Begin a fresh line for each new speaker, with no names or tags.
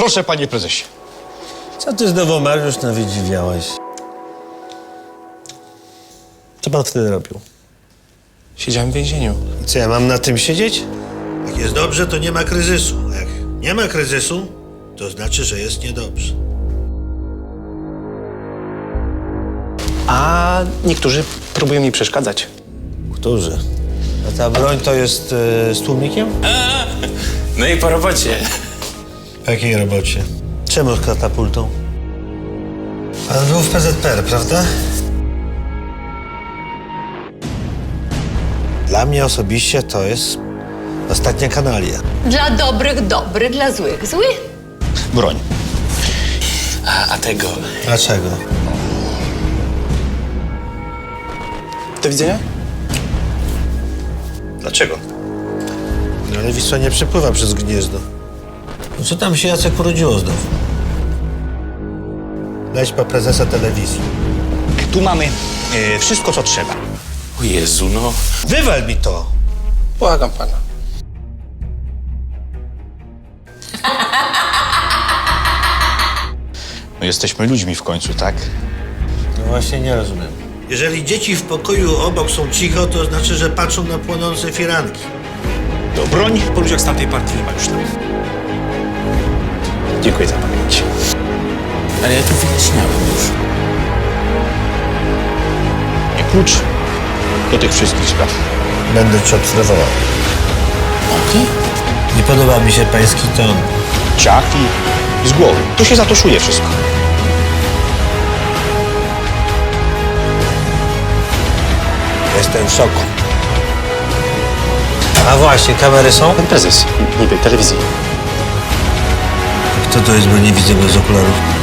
Proszę, panie prezesie.
Co ty znowu, Mariusz, nawiedziwiałeś? Co pan wtedy robił?
Siedziałem w więzieniu.
I co, ja mam na tym siedzieć? Jak jest dobrze, to nie ma kryzysu. A jak nie ma kryzysu, to znaczy, że jest niedobrze.
A niektórzy próbują mi przeszkadzać.
Którzy? A ta broń to jest z tłumikiem?
No i po robocie.
W jakiej robocie? Czemu z katapultą? Pan był w PZPR, prawda? Dla mnie osobiście to jest ostatnia kanalia.
Dla dobrych dobry, dla złych zły.
Broń.
A tego...
Dlaczego?
Do widzenia?
Dlaczego?
No ale Wisła nie przepływa przez Gniezno. No co tam się Jacek urodziło znowu? Dać pa prezesa telewizji.
Tu mamy wszystko, co trzeba.
O Jezu, no.
Wywal mi to!
Błagam pana.
No jesteśmy ludźmi w końcu, tak?
No właśnie nie rozumiem. Jeżeli dzieci w pokoju obok są cicho, to znaczy, że patrzą na płonące firanki.
To broń.
Po ludziach z tamtej partii nie ma już tam.
Dziękuję za pamięć.
Ale ja to wyjaśniałem już.
Nie klucz do tych wszystkich spraw.
Będę cię obserwował.
Okej.
Nie podoba mi się pański ton.
Ciach i z głowy. Tu się zatoszuje wszystko.
Jestem w szoku. A właśnie, kamery są?
Pan prezes, niby telewizji.
Kto to jest, bo nie widzę bez okularów?